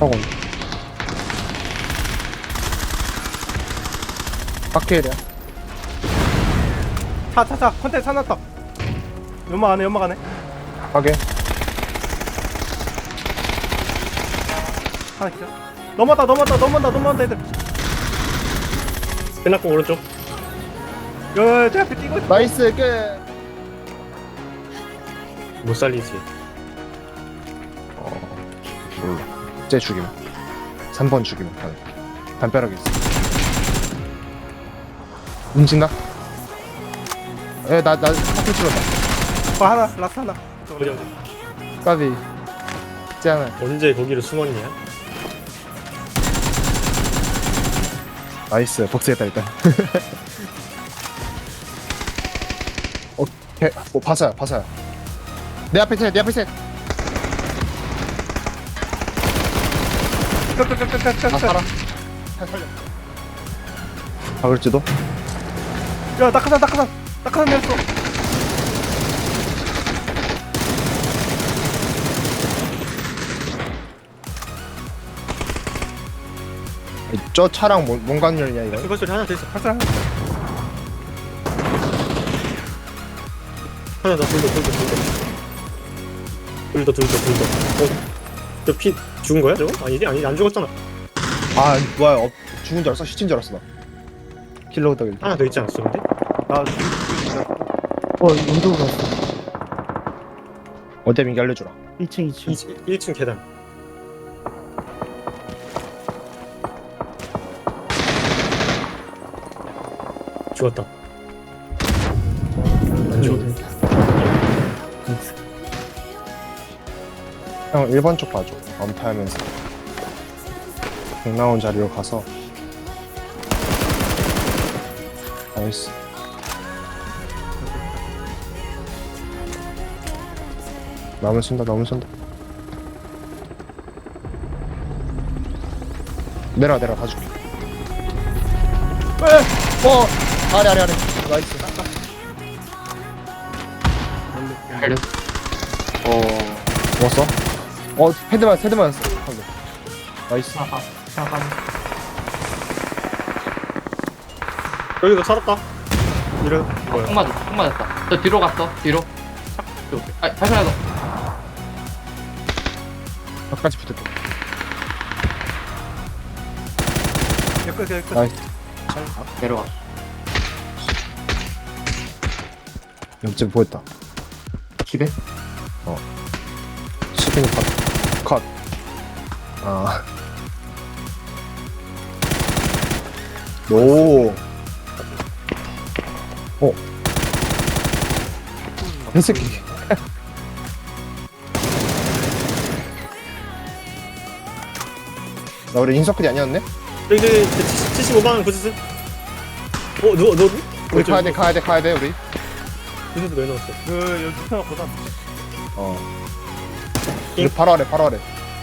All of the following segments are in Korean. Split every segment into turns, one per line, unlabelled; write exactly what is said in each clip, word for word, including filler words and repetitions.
하고 박해일이야.
차, 차, 차. 컨테이너 차 났다. 연막 안에, 연막 안에.
확인.
하나 기절. 넘었다, 넘었다, 넘었다, 넘었다, 애들.
끝났고 오른쪽.
야, 제 앞에 뛰고 있어.
나이스 끝.
못 살리지.
어 몰라. 쟤 죽임. 삼 번 죽임. 담벼락에 있어. 움직나? 에나나 파트 찔렀다.
어, 하나, 라스 하나.
어디 어디?
까비. 짱아.
언제 거기로 숨었냐?
나이스 복수했다 일단. 어, 개, 뭐 바사야 바사야. 내 앞에 셋, 내 앞에 셋. 나 살아. 잘 살려. 박을지도.
야, 낙하산, 낙하산. 낙하산 내렸어.
저 차랑 뭔, 뭔 관련이냐 이거?
이번 소리 하나 더 있어.
낙하산 하나.
하나 더 둘 더 둘 더 둘 더. 둘 더 둘 더 둘 더. 어? 저 피 죽은 거야 저거? 아니지 아니 안 죽었잖아.
아 뭐야? 어, 죽은 줄 알았어. 시친 줄 알았어 나. 킬러 덕일.
하나 더 있지 않았어 근데?
나,
어, 운동 갔어.
어때 민기 알려주라.
일 층, 이 층.
일 층 계단. 죽었다. 안 죽었네.
형 일 번 쪽 봐줘. 엄타하면서. 백 나온 자리로 가서. 나이스. 나무 쓴다 나무 쓴다. 내려 내려 가줄게. 어 아래 아래 아래. 나이스.
알려. 어,
죽었어? 어 헤드만 헤드만 써. 방금. 나이스.
아하, 잠깐.
여기도 살았다. 이런 뭐야?
총 맞았다, 총 맞았다. 저 뒤로 갔어, 뒤로. 오케이. 아, 다시 하나 더.
끝까지 붙을게.
여기, 여기, 여기.
나이스.
내려가.
옆집 보였다.
집에?
스피닝 컷. 컷. 아. 오. 어. 이 새끼. 나 우리 인서클이 아니었네?
여기 저기 칠십오만 원 부스스. 어 너 너?
우리 가야 돼, 가야 돼, 가야 돼, 우리.
부스스 왜 넣었어?
그, 여기 편하 고단.
어. 우리 바로 아래, 바로 아래.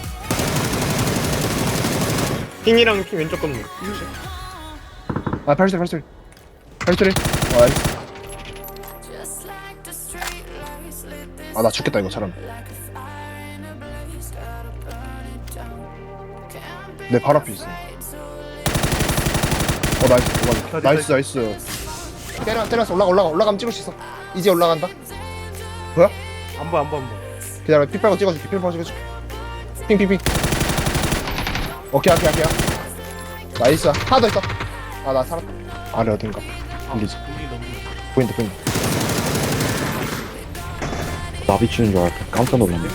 핑이랑 핑 왼쪽 건물.
아, 발소리, 발소리. 발소리. 어, 알겠어. 아, 나 죽겠다, 이거 사람. 내 바로 앞에 있어. 어, 나이스, 올라가. 나이스, 나이스. 때려, 때려서 올라가, 올라가, 올라가면 찍을 수 있어. 이제 올라간다. 뭐야?
안 보여, 안 보여, 안 보여.
기다려, 피 빨고 찍어줄게, 피 빨고 찍어줄게. 핑, 핑, 핑. 오케이, 오케이, 오케이. 나이스. 하나 더 있어. 아, 나 살았다. 아래 어딘가. 들리지? 보인다, 보인다.
나비 치는 줄 알았다. 깜짝 놀랐네.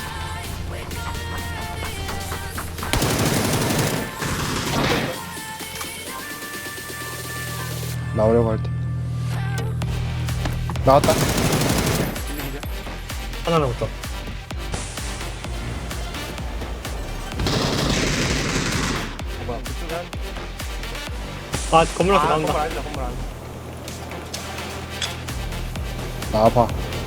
나오려고 할 때. 나왔다.
하나 남았다.
뭐야, 그쪽에 한.
아 건물 앞에
아,
나온다.
건물 아니다, 건물 아니다.
나와봐.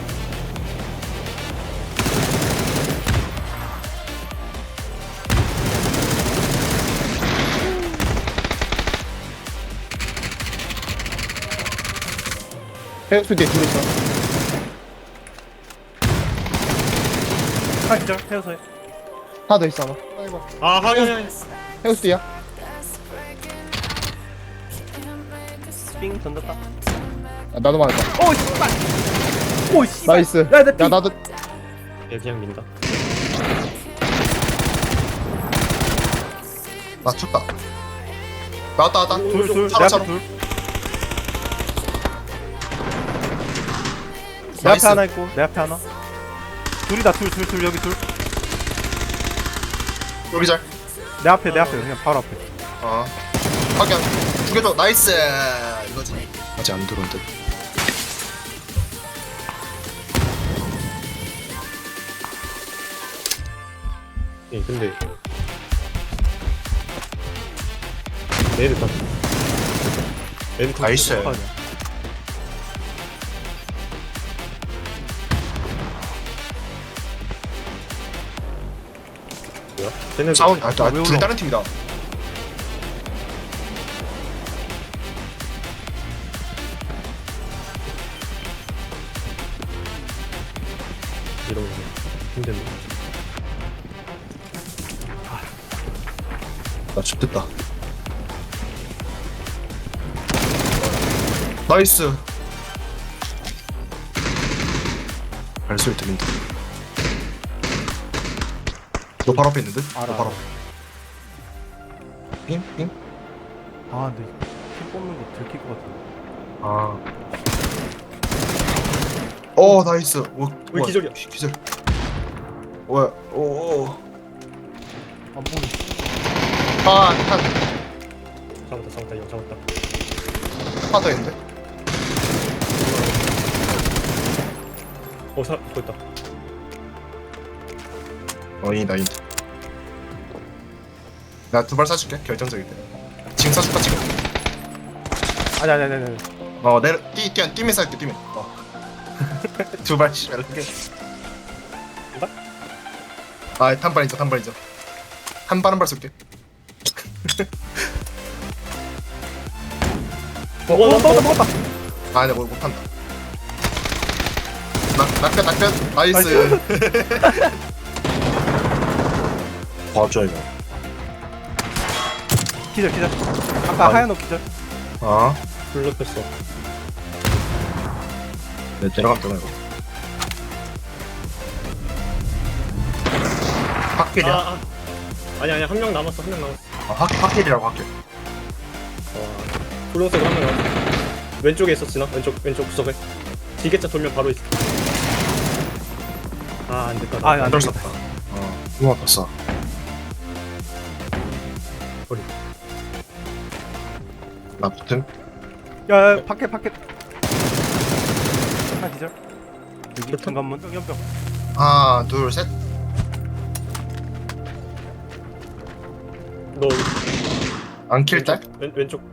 해역수 뒤에 둘 있어.
하나 기절, 헤어서요.
하나 더 있어 아마. 아이고.
아 확인.
해우스 뒤야.
삥 던졌다.
아, 나도 맞았다.
오 씨발. 오 씨발.
나이스.
야, 나
야
삥.
나도.
얘 그냥 민다.
나 쳤다. 나왔다 나왔다.
둘, 둘. 내
차로
앞에
차로.
둘. 내
나이스.
앞에 하나 있고 내 앞에 하나. 둘이다 둘 둘 둘 여기 둘.
여기 잘.
내 앞에 내 앞에 그냥 바로 앞에.
어. 확인. 죽여줘. 나이스. 이거지. 아직 안 들어온 듯.
예 근데 얘를 다. 얘를 다.
나이스.
어떡하냐.
뭐야? 쟤네
사운. 아,
왜
둘
올라와?
다른 팀이다.
이런 거 힘든데.
나 죽겠다. 나이스. 발소리 들린다. 너 바로 앞에 있는데?
알아,
너 바로
알아.
앞에. 핑? 핑?
아 근데 핀 뽑는 거 들킬 것 같은데.
아. 어 나이스. 오,
왜
우와,
기절이야?
기절. 뭐야? 오. 오.
안 보이.
아, 한,
잡았다 잡았다 이거 잡았다.
하나 더 있는데?
어 사, 보였다.
어이다 이. 나 두 발 쏴줄게. 결정적일 때. 지금 쏴줄까 지금?
아니 아니 아니 아니.
어 내려 뛰 뛰 뛰면 쏴줄게 뛰면. 어. 두 발씩 이렇게.
발?
아 단발이죠 단발이죠. 한 발 한 발 쏠게.
어, 어, 먹었다 먹었다.
아 내가 뭘 못한다. 낙 낙변 낙변 나이스. 봐줘 이거.
기절 기절. 아까
아니.
하얀 옷 기절.
아.
불러 뺐어.
내 내려가면 되나 이거. 확킬이야.
아, 아. 아니 아니 한 명 남았어 한 명 남았어.
아, 확 확킬이라고 확킬.
어, 분홍색으로 한 명 남았어. 왼쪽에 있어 진아 왼쪽 왼쪽 구석에. 지게차 돌면 바로 있어. 아 안됐다.
아, 안
안될
되겠다.
수 없다. 어. 누가 봤어?
머리.
나 붙음.
야, 야 밖에 밖에. 하나 기절. 여기
좋다.
중간문 연병.
하나 둘 셋.
너
안킬 딸.
왼쪽, 왼, 왼쪽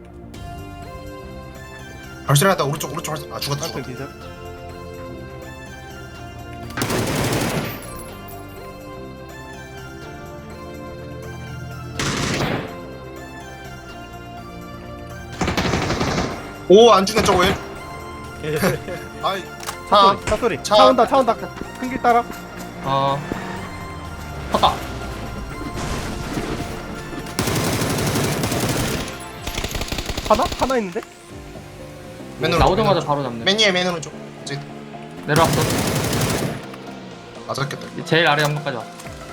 발소리 났다 오른쪽 오른쪽 발소리. 아 죽었다
하나
죽었다.
기절.
오 안 죽는 저거 왜? 아이. 차.
차 소리.
차.
차 온다 차 온다. 큰 길 따라.
어. 컸다.
하나? 하나 있는데?
맨으로.
나오자마자 바로 잡네.
맨이에 맨 오른쪽. 이제
내려왔어.
맞았겠다.
제일 아래 연막까지 왔어.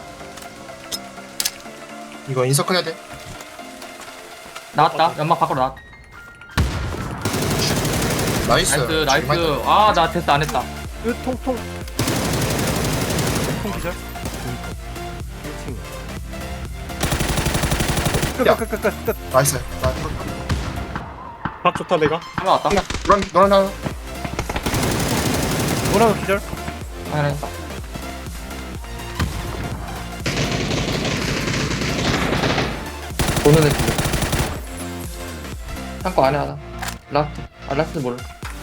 이거 인서클 해야 돼.
나왔다. 연막 밖으로 나왔다.
나이스.
나이스, 나이스. 아, 나 테스트 안 했다.
으 통통. 통 기절. 일 층.
야.
끝끝끝끝 끝.
나이스. 나
박 좋다 내가.
하나 왔다.
노란 노란 하나.
뭐라고 기절?
하나 했다. 보는 애 지금. 창고 안에 하나. 라스트. 아, 라스트 모르.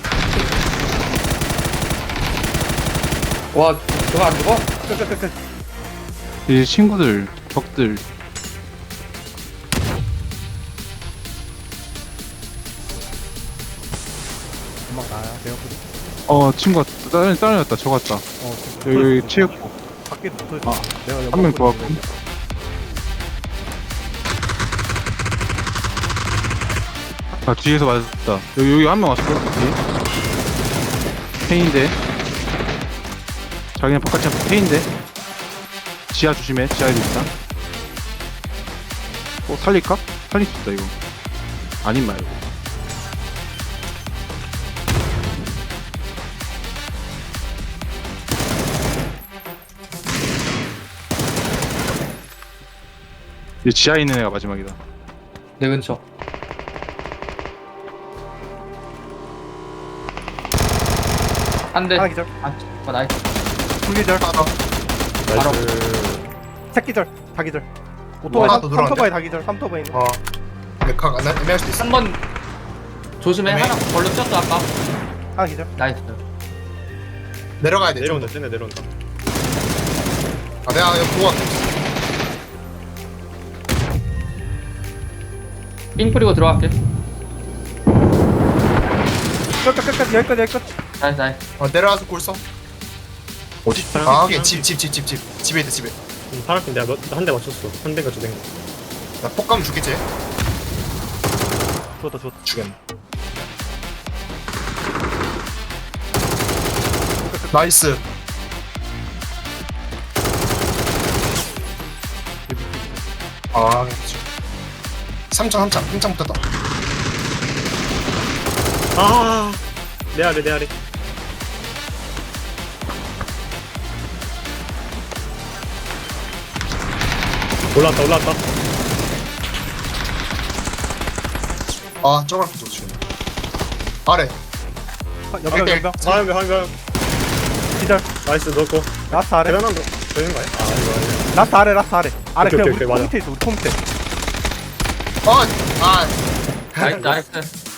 와, 저거 안 죽어?
끝끝끝끝.
이 친구들, 적들
음악 나야. 내가 그래.
어 친구가 다른 다른 애다 적었다.
어.
여기 체육부
밖에 붙어.
아,
내가
한 명
연막
더
보고
왔고.
있는데.
아 뒤에서 맞았다. 여기 여기 한 명 왔어. 뒤에. 페인데. 자기는 바깥에 페인데. 지하 조심해. 지하에도 있다. 어 살릴까? 살릴 수 있다 이거. 아닌 말고. 이 지하에 있는 애가 마지막이다.
내 근처. 한 대.
하나 기절.
아, 아, 나이스.
둘 기절.
나이스.
셋 기절. 다 기절. 오토바이
하나
삼-
더 들어갔네.
삼토바이 다 기절. 삼토바이 있는.
어 메카 안 애매할 수도 있어.
한 번 조심해.
네.
하나 걸로 뛰었어 아까.
하나 기절.
나이스.
내려가야 돼.
내려온다. 쟤네 내려온다.
아 내가 이거 보고 갈게.
삥 뿌리고 들어갈게.
끝까지 끝까지 여기까지 여기까지.
나이스 나이스.
어 내려와서 골 써. 어디? 아 하긴 집집 집 집 집 집에 있다 집에.
음, 파란핀 내가 한 대 맞췄어. 한 대가 두 대인가.
나 폭감 죽겠지?
죽었다 죽었다.
죽였네. 나이스. 아, 삼창 삼창 삼창 붙었다.
아, 내 아래 내 아래. 올라왔다 올라왔다.
아, 저걸 붙었어 죽였네. 아래.
아, 연병 연병.
화염병 화염병.
기절.
나이스 넣고.
라스트 아래.
대단한 거 되는 거야? 아 이거 아니야.
라스트 아래 라스트 아래. 아래
오케이,
그냥
오케이,
우리
오케이,
폼 밑에 있어 우리 폼 밑에.
어, 아,
나이스 나이스.